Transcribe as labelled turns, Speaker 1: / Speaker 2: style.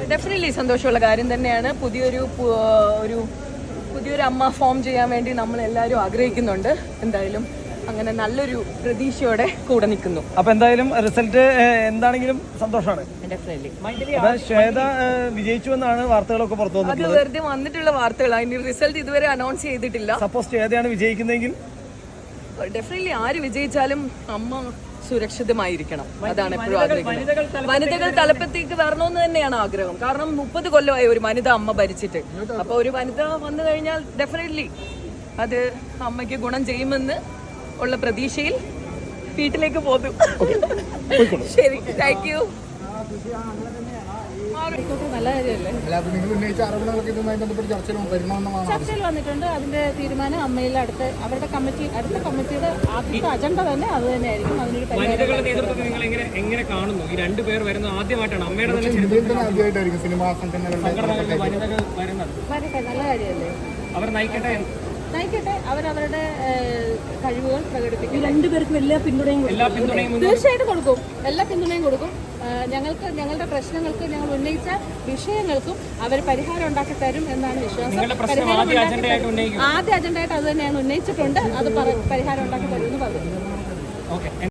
Speaker 1: Definitely സന്തോഷമുള്ള കാര്യം തന്നെയാണ്. പുതിയൊരു അമ്മ ഫോം ചെയ്യാൻ വേണ്ടി നമ്മളെല്ലാവരും ആഗ്രഹിക്കുന്നുണ്ട്. എന്തായാലും അങ്ങനെ നല്ലൊരു പ്രതീക്ഷയോടെ കൂടെ നിൽക്കുന്നു.
Speaker 2: അപ്പൊ എന്തായാലും റിസൾട്ട് എന്താണെങ്കിലും സന്തോഷമാണ്.
Speaker 1: ഡെഫിനറ്റ്ലി
Speaker 2: ശ്വേത വിജയിച്ചു എന്നാണ് വാർത്തകളൊക്കെ പുറത്തു
Speaker 1: അത്
Speaker 2: വന്നത്.
Speaker 1: വെറുതെ വന്നിട്ടുള്ള വാർത്തകളാണ്. അതിന്റെ റിസൾട്ട് ഇതുവരെ അനൗൺസ് ചെയ്തിട്ടില്ല.
Speaker 2: സപ്പോസ് ശ്വേതയാണ് വിജയിക്കുന്നതെങ്കിൽ
Speaker 1: ഡെഫിനറ്റ്ലി ആര് വിജയിച്ചാലും അമ്മ സുരക്ഷിതമായിരിക്കണം. അതാണ് എപ്പോഴും ആഗ്രഹിക്കുന്നത്. വനിതകൾ തലപ്പത്തേക്ക് വരണമെന്ന് തന്നെയാണ് ആഗ്രഹം. കാരണം 30 കൊല്ലമായി ഒരു വനിത അമ്മ ഭരിച്ചിട്ട്. അപ്പോൾ ഒരു വനിത വന്നു കഴിഞ്ഞാൽ ഡെഫിനറ്റ്ലി അത് അമ്മയ്ക്ക് ഗുണം ചെയ്യുമെന്ന് ഉള്ള പ്രതീക്ഷയിൽ വീട്ടിലേക്ക് പോകും. ശരി, താങ്ക് യു.
Speaker 3: നല്ല കാര്യമല്ലേ? ചർച്ചയിൽ വന്നിട്ടുണ്ട്. അതിന്റെ തീരുമാനം അമ്മയിൽ അടുത്ത കമ്മിറ്റിയുടെ ആദ്യത്തെ അജണ്ട തന്നെ അത് തന്നെയായിരിക്കും. അതിനൊരു
Speaker 4: എങ്ങനെ കാണുന്നു ഈ രണ്ടുപേർ വരുന്നത്? ആദ്യമായിട്ടാണ് അമ്മയുടെ
Speaker 3: വരട്ടെ, നല്ല കാര്യമല്ലേ?
Speaker 4: അവർ നയിക്കട്ടെ,
Speaker 3: അവരവരുടെ കഴിവുകൾ പ്രകടിപ്പിക്കും.
Speaker 1: രണ്ടുപേർക്കും എല്ലാ പിന്തുണയും
Speaker 3: തീർച്ചയായിട്ടും കൊടുക്കും. എല്ലാ പിന്തുണയും കൊടുക്കും. ഞങ്ങളുടെ പ്രശ്നങ്ങൾക്ക്, ഞങ്ങൾ ഉന്നയിച്ച വിഷയങ്ങൾക്കും അവർ പരിഹാരം ഉണ്ടാക്കി തരും എന്നാണ് വിശ്വാസം. ആദ്യ അജണ്ടയായിട്ട് അത് തന്നെയാണ് ഉന്നയിച്ചിട്ടുണ്ട്. അത് പരിഹാരം ഉണ്ടാക്കി തരുമെന്ന് പറഞ്ഞു.